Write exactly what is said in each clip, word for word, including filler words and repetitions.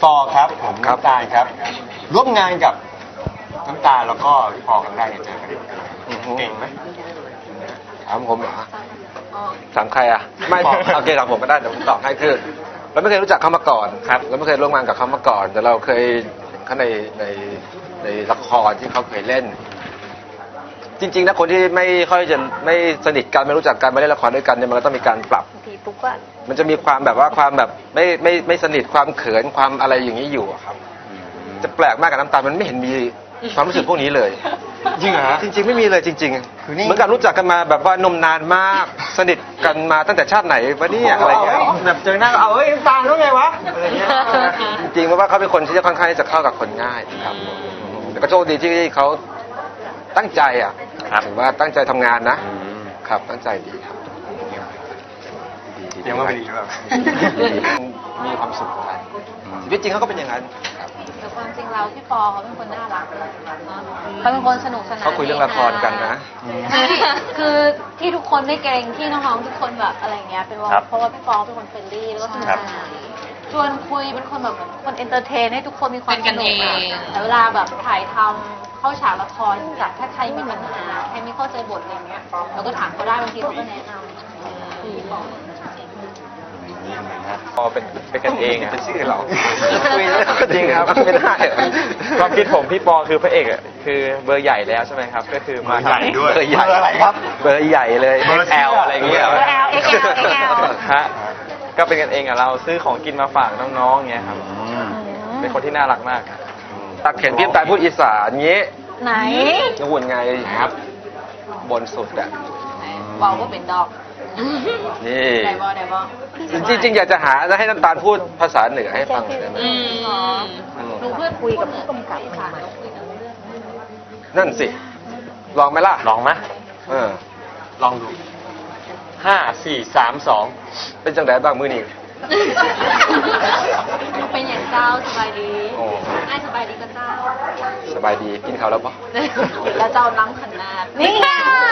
ปอครับผมน้ำตาลครับร่วมงานกับน้ำตาลแล้วก็พี่ปอครั้งแรกเนี่ยเจอกันเก่งไหมถามผมเหรอถามใครอ่ะไม่โอเคถามผมก็ได้เดี๋ยวผมตอบให้คือเราไม่เคยรู้จักเขามาก่อนครับเราไม่เคยร่วมงานกับเขามาก่อน แต่เราเคยเขาในในในละครที่เขาเคยเล่น จริงๆนะคนที่ไม่ค่อยจะไม่สนิทกันไม่รู้จักกันไม่เล่นละครด้วยกันเนี่ยมันก็ต้องมีการปรับมันจะมีความแบบว่าความแบบไม่ไม่ไม่สนิทความเขินความอะไรอย่างนี้อยู่ครับจะแปลกมากกับน้ำตาลมันไม่เห็นมีความรู้สึกพวกนี้เลยจริงเหรอจริงๆไม่มีเลยจริงๆเหมือนกับรู้จักกันมาแบบว่านมนานมากสนิทกันมาตั้งแต่ชาติไหนวะเนี่ยอะไรเงี้ยแบบเจอหน้าเอาเฮ้ยน้ำตาลแล้วไงวะอะไรเงี้ยจริงๆเพราะว่าเขาเป็นคนที่จะค่อนข้างจะเข้ากับคนง่ายครับแต่ก็โชคดีที่เขาตั้งใจอ่ะถือว่าตั้งใจทำงานนะครับตั้งใจดีครับยังว่าไม่ดีหรือเปล่ามีความสุขกันชีวิตจริงเขาก็เป็นอย่างนั้นแต่ความจริงเราพี่ปอเขาเป็นคนน่ารักเขาเป็นคนสนุกสนานเขาคุยเรื่องละครกันนะคือที่ทุกคนไม่เกรงที่น้องๆทุกคนแบบอะไรเงี้ยเป็นว่าเพราะว่าพี่ปอเป็นคนเฟรนลี่แล้วก็สนุกสนานชวนคุยเป็นคนแบบคนเอนเตอร์เทนให้ทุกคนมีความสนุกแต่เวลาแบบถ่ายทำเข้าฉากละครจากถ้าใครมีปัญหาใครไม่เข้าใจบทอะไรเงี้ยเราก็ถามเขาได้บางทีเขาก็แนะนำพี่ปอพอเป็นเป็นกันเองอ่ะเป็นชื่อเราคุยแล้วจริงครับไม่ได้ความคิดผมพี่ปอคือพระเอกอ่ะคือเบอร์ใหญ่แล้วใช่ไหมครับก็คือมาใหญ่ด้วยเบอร์ใหญ่อะไรครับเบอร์ใหญ่เลยเอ็กซ์แอลอะไรเงี้ยเบอร์ L เอ็กซ์ แอล เอ็กซ์ แอลฮะก็เป็นกันเองอ่ะเราซื้อของกินมาฝากน้องๆเงี้ยครับเป็นคนที่น่ารักมากตักเห็นพี่ตายพูดอีสานงี้ไหนหุ่นไงครับบนสุดอ่ะบอกว่าเป็นดอกนี่ไดบอไดบอจริงๆอยากจะหาให้น้ำตาลพูดภาษาเหนือให้ฟังได้ไหมดูเพื่อคุยกับผู้กำกับค่ะนั่นสิลองไหมล่ะลองไหมเออลองดูห้าสี่สามสองเป็นจังไดบ้างมื้อนี้เป็นอย่างเจ้าสบายดีไอ้สบายดีก็เจ้าสบายดีกินข้าวแล้วปะแล้วเจ้าล้ำขนาดนี่ไง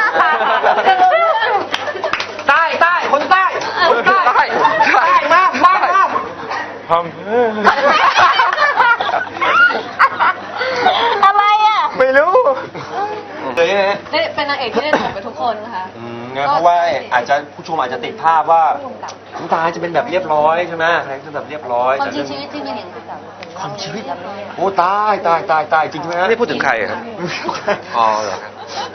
ใต้ใต้คนใต้คนใต้ใต้ใต้มากมากมากพร้อมอะไรอ่ะไม่รู้เลยนะได้เป็นนางเอกที่ได้ถูกไปทุกคนค่ะเพราะว่าอาจจะผู้ชมอาจจะติดภาพว่าน้ำตาจะเป็นแบบเรียบร้อยใช่ไหมคาแรคเตอร์แบบเรียบร้อยความจริงชีวิตจริงเป็นอย่างไรความชีวิตโอ้ตายตายตายตายจริงไหมไม่พูดถึงใครครับอ๋อเหรอครับ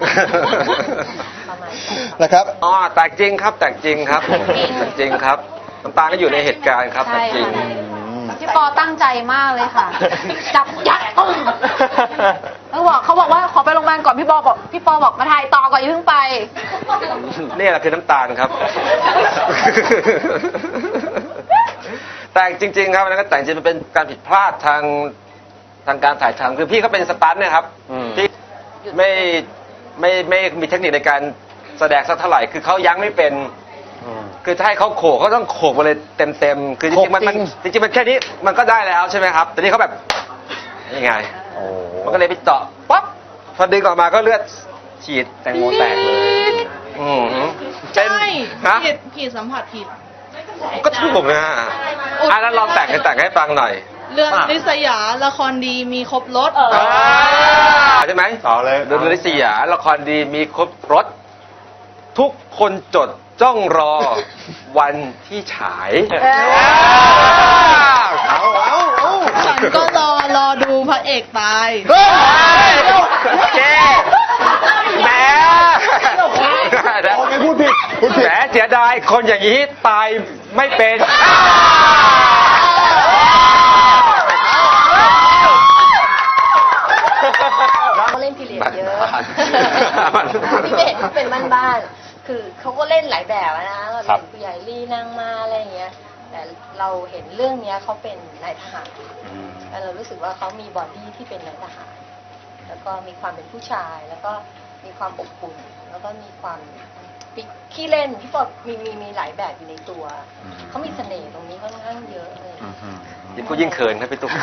นะครับอ๋อแต่จริงครับแต่จริงครับแต่จริงครับน้ำตาลก็อยู่ในเหตุการณ์ครับแต่จริงพี่ปอตั้งใจมากเลยค่ะจับยัดตุ้มเขาบอกเขาบอกว่าขอไปโรงพยาบาลก่อนพี่ปอบอกพี่ปอบอกมาถ่ายต่อก่อนอย่าเพิ่งไปนี่แหละคือน้ำตาลครับแต่จริงๆครับนั่นก็แต่จริงมันเป็นการผิดพลาดทางทางการถ่ายทำคือพี่เขาเป็นสตันต์นะครับที่ไม่ไม่ไม่มีเทคนิคในการแสดงสักเท่าไหร่คือเขายั้งไม่เป็นคือถ้าให้เขาโขกเขาต้องโขกไปเลยเต็มเต็มคือจริงๆมันจริงๆมันแค่นี้มันก็ได้แล้วใช่ไหมครับแต่นี่เขาแบบยังไงมันก็เลยไปเจาะปั๊บพอดึงออกมาก็เลือดฉีดแตงโมแตกเลยอืมใช่ผิดผิดสัมผัสผิดก็ถูกนะอ่ะแล้วลองแต่งให้แต่งให้ฟังหน่อยเรื่องลิษยาละครดีมีครบรถใช่ไหมต่อเลยเรื่องลิษยาละครดีมีครบรถทุกคนจดจ้องรอวันที่ฉายเอาเอาเอาฉันก็รอรอดูพระเอกตายแกแหมพูดผิดพูดผิดแหมเสียดายคนอย่างนี้ตายไม่เป็นเขาเล่นพีเรียดเยอะพี่เบสเป็นบ้านๆคือเขาก็เล่นหลายแบบนะเราเป็นผู้ใหญ่ลีนางมาอะไรอย่างเงี้ยแต่เราเห็นเรื่องนี้เขาเป็นนายทหารแล้วเรารู้สึกว่าเขามีบอดี้ที่เป็นนายทหารแล้วก็มีความเป็นผู้ชายแล้วก็มีความอบอุ่นแล้วก็มีความขี้เล่นพี่ปอมีมีมีหลายแบบอยู่ในตัวเขามีเสน่ห์ตรงนี้ค่อนข้างเยอะเลยยิ่งพูดยิ่งเขินครับพี่ตุ๊ก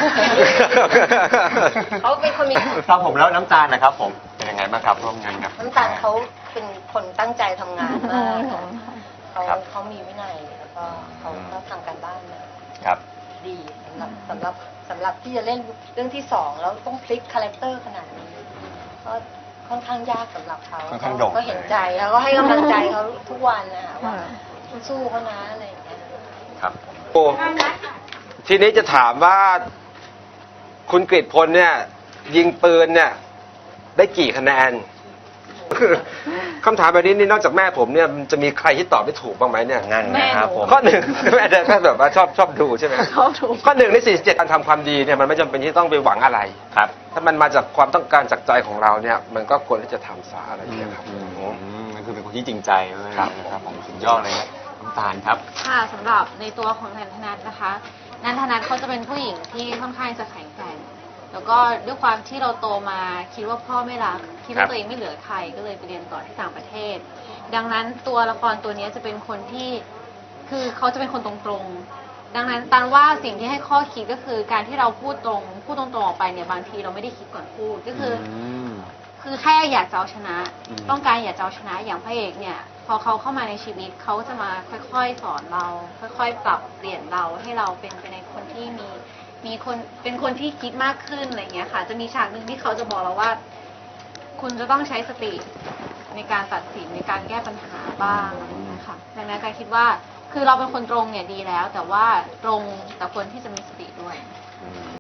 เขาเป็นคนมีครับผมแล้วน้ำตาลนะครับผมเป็นยังไงบ้างครับร่วมงานกับน้ำตาลเขาเป็นคนตั้งใจทำงานมากเขาเขามีวินัยแล้วก็เขาก็ทำการบ้านมาครับดีสำหรับสำหรับสำหรับที่จะเล่นเรื่องที่สองแล้วต้องพลิกคาแรคเตอร์ขนาดนี้ก็ค่อนข้างยากสำหรับเขาค่อนข้างโด่งก็เห็นใจแล้วก็ให้กำลังใจเขาทุกวันนะคะว่าสู้เขานะอะไรอย่างเงี้ยครับโอ้ทีนี้จะถามว่าคุณกฤษพลเนี่ย ยิงปืนเนี่ย ได้กี่คะแนน คำถามแบบนี้นี่นอกจากแม่ผมเนี่ยมันจะมีใครที่ตอบไม่ถูกบ้างไหมเนี่ยนั่นนะครับผมข้อหนึ่ง แม่เด็กก็แบบว่าชอบชอบดูใช่ไหมชอบดูข้อหนึ่งในสี่สิบเจ็ดการทำความดีเนี่ยมันไม่จำเป็นที่ต้องไปหวังอะไรครับถ้ามันมาจากความต้องการจากใจของเราเนี่ย มันก็ควรที่จะทำซะอะไรอย่างเงี้ยครับอืมนั่นคือเป็นคนที่จริงใจเลยครับนะครับผมสุดยอดเลยนะน้ำตาลครับค่ะสำหรับในตัวของนันทนัทนะคะนันทนัทเขาจะเป็นผู้หญิงที่ค่อนข้างจะแข็งแกร่งแล้วก็ด้วยความที่เราโตมาคิดว่าพ่อไม่รักคิดครัว่าบตัวเองไม่เหลือใครก็เลยไปเรียนต่อที่ต่างประเทศ ดังนั้นตัวละครตัวนี้จะเป็นคนที่คือเขาจะเป็นคนตรงๆดังนั้นตันว่าสิ่งที่ให้ข้อคิดก็คือการที่เราพูดตรงพูดตรงๆออกไปเนี่ยบางทีเราไม่ได้คิดก่อนพูดก็คืออมคือแค่อยากจะเอาชนะอืมต้องการอยากจะเอาชนะอย่างพระเอกเนี่ย พอเขาเข้ามาในชีวิตเขาจะมาค่อยๆ สอนเรา ค่อยๆ ปรับเปลี่ยนเราให้เราเป็นไปในคนที่มีมีคนเป็นคนที่คิดมากขึ้นอะไรอย่างเงี้ยค่ะ จะมีฉากหนึ่งที่เขาจะบอกเราว่า คุณจะต้องใช้สติในการตัดสินในการแก้ปัญหาบ้างอะไรอย่างเงี้ยค่ะดังนั้นการคิดว่าคือเราเป็นคนตรงเนี่ยดีแล้ว แต่ว่าตรงแต่ควรที่จะมีสติด้วย